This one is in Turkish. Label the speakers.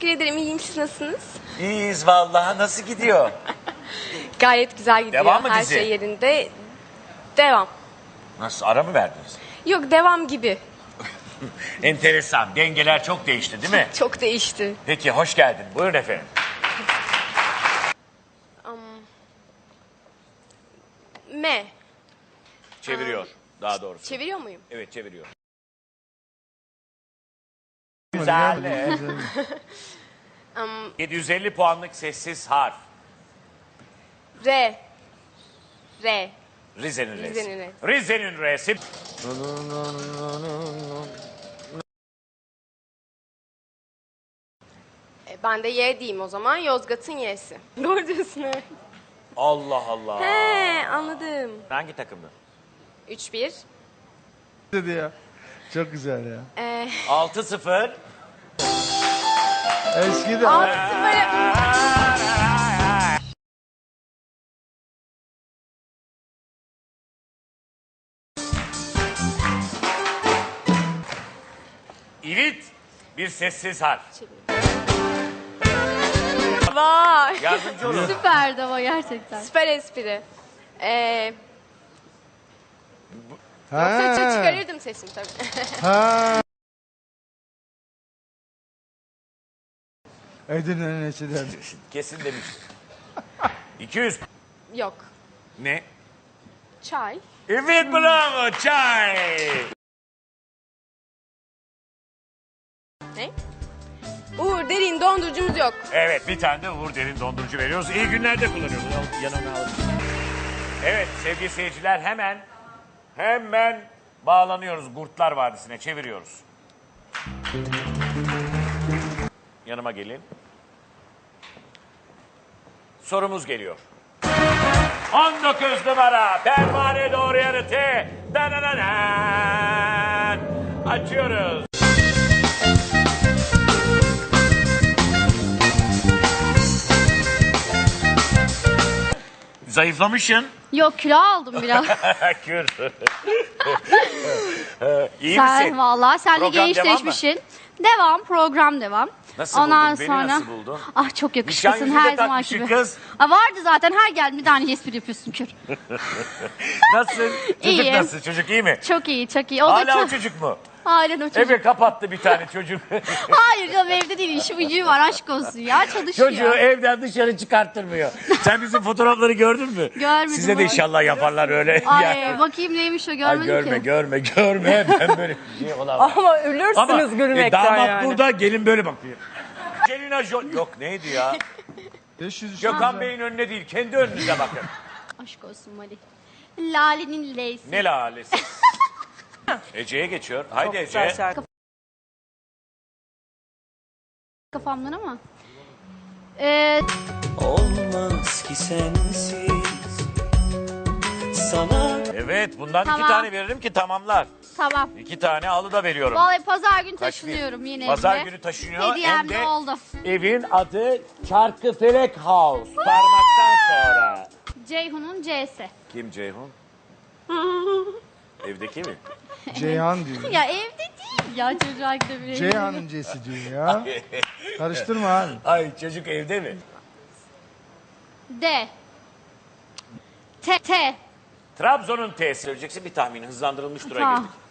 Speaker 1: Teşekkür ederim. İyiyim. Siz nasılsınız?
Speaker 2: İyiyiz vallahi. Nasıl gidiyor?
Speaker 1: Gayet güzel gidiyor.
Speaker 2: Devam mı
Speaker 1: Her
Speaker 2: dizi?
Speaker 1: şey yerinde. Devam.
Speaker 2: Nasıl? Ara mı verdiniz?
Speaker 1: Yok, devam gibi.
Speaker 2: Enteresan. Dengeler çok değişti değil mi?
Speaker 1: Çok değişti.
Speaker 2: Peki hoş geldin. Buyurun efendim.
Speaker 1: M.
Speaker 2: Çeviriyor. Daha doğrusu.
Speaker 1: Çeviriyor muyum?
Speaker 2: Evet çeviriyor. Güzel. 750 puanlık sessiz harf.
Speaker 1: R. R.
Speaker 2: Rize'nin R'si.
Speaker 1: Rize'nin R'si.
Speaker 2: Rize'nin R'si.
Speaker 1: Ben de Y diyeyim o zaman. Yozgat'ın Y'si. Doğru diyorsun, evet.
Speaker 2: Allah Allah.
Speaker 1: He, anladım.
Speaker 2: Hangi takımdı?
Speaker 1: 3-1.
Speaker 3: Dedi ya. Çok güzel ya.
Speaker 2: 6-0.
Speaker 3: Eski de.
Speaker 1: 6-0.
Speaker 2: İvit. Bir sessiz harf.
Speaker 1: Vay.
Speaker 2: Yardımcı olun.
Speaker 4: Süperdi ama gerçekten.
Speaker 1: Süper espri.
Speaker 3: Ha.
Speaker 1: Saça çıkarırdım sesimi tabii.
Speaker 3: Ha. Edirne'nin eşinden.
Speaker 2: Kesin demiş. 200.
Speaker 1: Yok.
Speaker 2: Ne?
Speaker 1: Çay.
Speaker 2: Evet bravo çay.
Speaker 1: Ne? Uğur Derin dondurucumuz yok.
Speaker 2: Evet bir tane de Uğur Derin dondurucu veriyoruz. İyi günlerde kullanıyoruz. Yanına alın. Evet sevgili seyirciler hemen bağlanıyoruz Gurtlar Vadisi'ne çeviriyoruz. Yanıma gelin. Sorumuz geliyor. 19 numara pervane doğru yanıtı. Danananan. Açıyoruz. Zayıflamışsın.
Speaker 4: Yok, kilo aldım biraz.
Speaker 2: Kür. İyi
Speaker 4: Sen
Speaker 2: misin?
Speaker 4: vallahi sen de
Speaker 2: Program
Speaker 4: gençleşmişsin. Devam, program devam.
Speaker 2: Nasıl
Speaker 4: Ondan
Speaker 2: buldun? Beni
Speaker 4: sonra...
Speaker 2: nasıl buldun?
Speaker 4: Ah çok
Speaker 2: Nişan
Speaker 4: yakışıklısın
Speaker 2: yüzüğü de
Speaker 4: her zaman
Speaker 2: takmışsın
Speaker 4: gibi.
Speaker 2: kız.
Speaker 4: Ha, vardı zaten her geldi bir tane espri yapıyorsun kür.
Speaker 2: Nasılsın? Çocuk
Speaker 4: İyiyim.
Speaker 2: nasıl? Çocuk iyi mi?
Speaker 4: Çok iyi, çok iyi. O da
Speaker 2: Hala
Speaker 4: çok...
Speaker 2: o çocuk mu?
Speaker 4: Halen o çocuk.
Speaker 2: Eve kapattı bir tane çocuk.
Speaker 4: Hayır canım, evde değil, işi gücü var, aşk olsun ya, çalışıyor.
Speaker 2: Çocuğu evden dışarı çıkarttırmıyor. Sen bizim fotoğrafları gördün mü?
Speaker 4: Görmedim.
Speaker 2: Size de inşallah yaparlar öyle.
Speaker 4: Ay
Speaker 2: Yani.
Speaker 4: bakayım neymiş o,
Speaker 2: Ay
Speaker 4: görmedim
Speaker 2: görme
Speaker 4: ki.
Speaker 2: görme. Ben böyle bir şey olamam.
Speaker 5: Ama ölürsünüz
Speaker 2: Ama
Speaker 5: gülmekten
Speaker 2: damat
Speaker 5: yani.
Speaker 2: burada gelin böyle bakıyor. Angelina Jolie. Yok neydi ya?
Speaker 3: 500
Speaker 2: Gökhan Bey'in önüne değil kendi önünüze bakın.
Speaker 4: Aşk olsun Mali. Lale'nin L'si.
Speaker 2: Ne lalesi. Ece'ye geçiyor. Haydi Ece.
Speaker 5: Güzel şarkı.
Speaker 4: Kafamdan ama.
Speaker 6: Olmaz ki sensiz sana.
Speaker 2: Evet bundan
Speaker 4: Tamam.
Speaker 2: 2 tane veririm ki tamamlar.
Speaker 4: Tamam.
Speaker 2: 2 tane alı da veriyorum.
Speaker 4: Vallahi pazar günü
Speaker 2: Kaç
Speaker 4: taşınıyorum
Speaker 2: bir?
Speaker 4: yine
Speaker 2: Pazar
Speaker 4: evime.
Speaker 2: günü taşınıyor.
Speaker 4: Hediyem
Speaker 2: Hem
Speaker 4: de
Speaker 2: de
Speaker 4: oldu.
Speaker 2: evin adı Çarkıfelek House. Parmaktan sonra.
Speaker 4: Ceyhun'un C'si.
Speaker 2: Kim Ceyhun? Evdeki mi?
Speaker 3: Ceyhan diyor.
Speaker 4: Ya evde değil ya, çocuğa gidebilir.
Speaker 3: Ceyhan'ın C'si diyor ya. Karıştırma abi.
Speaker 2: Ay çocuk evde mi?
Speaker 4: D. T.
Speaker 2: Trabzon'un T'si söyleyeceksin bir tahmini hızlandırılmış dura
Speaker 4: Tamam.
Speaker 2: girdik.